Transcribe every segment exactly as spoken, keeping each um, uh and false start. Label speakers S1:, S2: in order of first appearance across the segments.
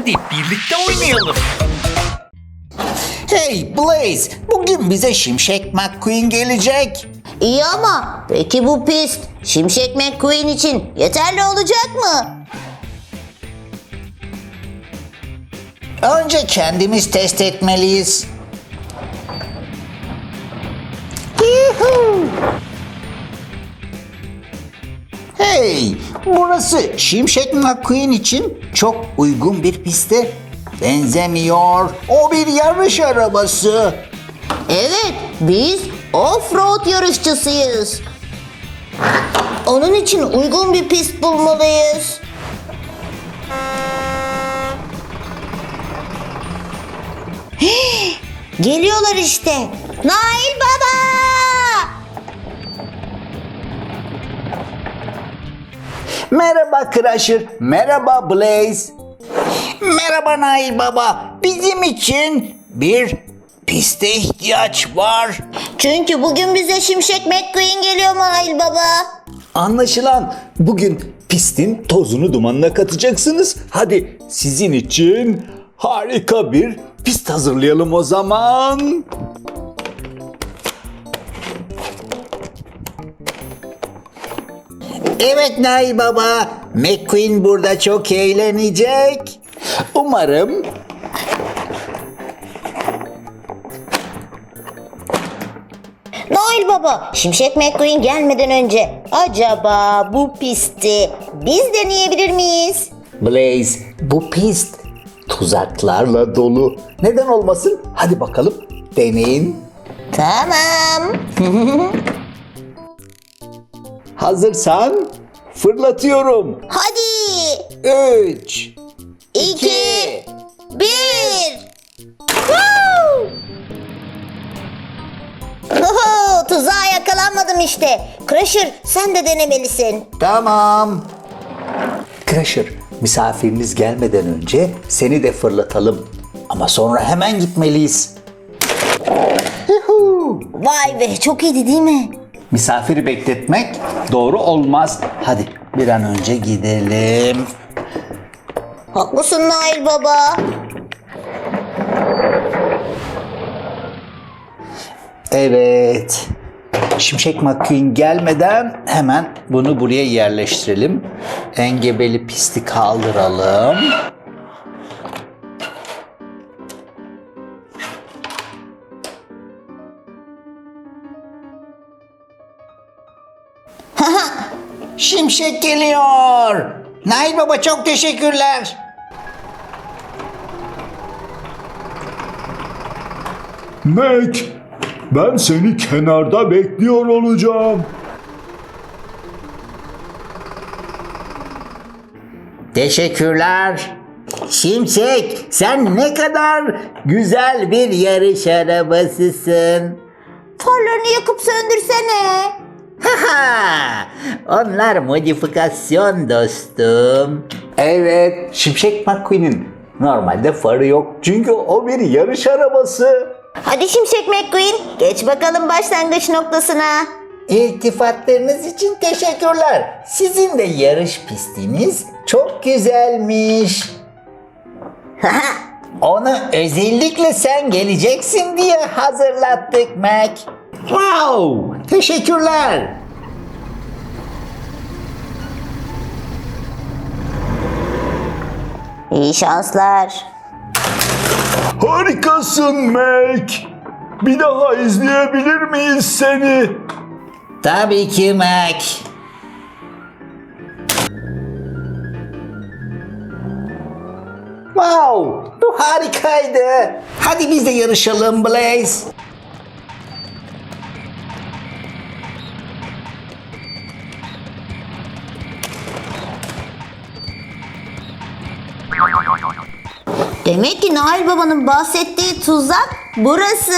S1: Hadi birlikte oynayalım.
S2: Hey Blaze, bugün bize Şimşek McQueen gelecek.
S3: İyi ama peki bu pist Şimşek McQueen için yeterli olacak mı?
S2: Önce kendimiz test etmeliyiz. Yuhuu! Hey, burası Şimşek McQueen için çok uygun bir piste benzemiyor. O bir yarış arabası.
S3: Evet, biz off-road yarışçısıyız. Onun için uygun bir pist bulmalıyız. Hii, geliyorlar işte. Nail Baba!
S2: Merhaba Crusher, merhaba Blaze. Merhaba Nail Baba. Bizim için bir piste ihtiyaç var.
S3: Çünkü bugün bize Şimşek McQueen geliyor Nail Baba.
S4: Anlaşılan bugün pistin tozunu dumanına katacaksınız. Hadi sizin için harika bir pist hazırlayalım o zaman.
S2: Evet Nail Baba, McQueen burada çok eğlenecek. Umarım.
S3: Nail Baba, Şimşek McQueen gelmeden önce acaba bu pisti biz deneyebilir miyiz?
S4: Blaze, bu pist tuzaklarla dolu. Neden olmasın? Hadi bakalım deneyin.
S3: Tamam.
S4: Hazırsan fırlatıyorum.
S3: Hadi.
S4: Üç,
S3: İki. Bir. Woo! Oho, tuzağa yakalanmadım işte. Crusher, sen de denemelisin.
S2: Tamam.
S4: Crusher, misafiriniz gelmeden önce seni de fırlatalım. Ama sonra hemen gitmeliyiz. Yuhuu!
S3: Vay be, çok iyiydi değil mi?
S4: Misafiri bekletmek doğru olmaz. Hadi bir an önce gidelim.
S3: Haklısın Nail Baba.
S4: Evet. Şimşek McQueen gelmeden hemen bunu buraya yerleştirelim. Engebeli pisti kaldıralım.
S2: Şimşek geliyor. Nail Baba çok teşekkürler.
S5: Mac, ben seni kenarda bekliyor olacağım.
S2: Teşekkürler. Şimşek, sen ne kadar güzel bir yarış arabasısın.
S3: Farlarını yakıp söndürsene.
S2: Haha, onlar modifikasyon dostum.
S4: Evet, Şimşek McQueen'in normalde farı yok. Çünkü o bir yarış arabası.
S3: Hadi Şimşek McQueen, geç bakalım başlangıç noktasına.
S2: İltifatlarınız için teşekkürler. Sizin de yarış pistiniz çok güzelmiş. Onu özellikle sen geleceksin diye hazırlattık Mac. Wow, teşekkürler.
S3: İyi şanslar.
S5: Harikasın Mac. Bir daha izleyebilir miyiz seni?
S2: Tabii ki Mac. Wow, bu harikaydı. Hadi biz de yarışalım Blaze.
S3: Demek ki Nail Baba'nın bahsettiği tuzak burası.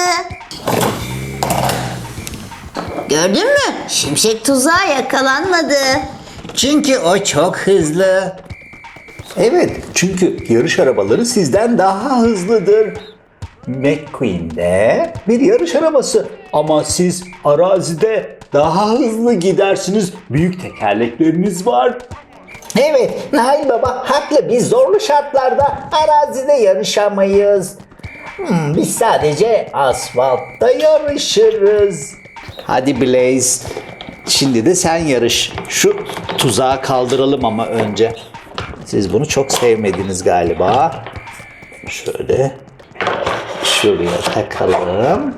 S3: Gördün mü? Şimşek tuzağa yakalanmadı.
S2: Çünkü o çok hızlı.
S4: Evet, çünkü yarış arabaları sizden daha hızlıdır. McQueen de bir yarış arabası ama siz arazide daha hızlı gidersiniz. Büyük tekerlekleriniz var.
S2: Evet, Nail Baba haklı. Biz zorlu şartlarda arazide yarışamayız. Hmm, biz sadece asfaltta yarışırız.
S4: Hadi Blaze. Şimdi de sen yarış. Şu tuzağı kaldıralım ama önce. Siz bunu çok sevmediniz galiba. Şöyle şuraya takalım.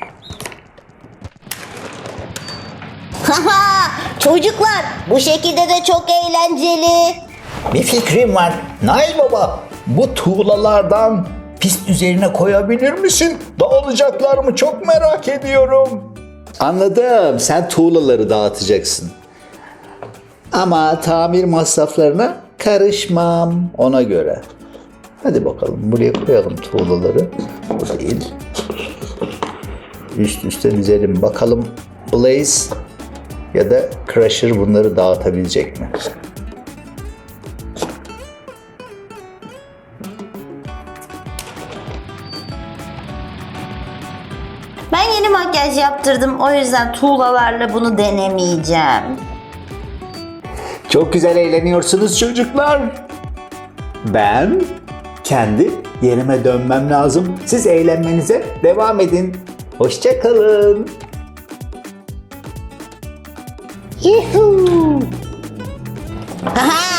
S3: Haha, çocuklar bu şekilde de çok eğlenceli.
S2: Bir fikrim var. Nail Baba, bu tuğlalardan pist üzerine koyabilir misin? Dağılacaklar mı? Çok merak ediyorum.
S4: Anladım. Sen tuğlaları dağıtacaksın. Ama tamir masraflarına karışmam ona göre. Hadi bakalım buraya koyalım tuğlaları. Bu değil. Üst üste dizelim. Bakalım Blaze ya da Crusher bunları dağıtabilecek mi?
S3: Ben yeni makyaj yaptırdım, o yüzden tuğlalarla bunu denemeyeceğim.
S4: Çok güzel eğleniyorsunuz çocuklar. Ben kendi yerime dönmem lazım. Siz eğlenmenize devam edin. Hoşça kalın.
S3: Yuhuu. Haha,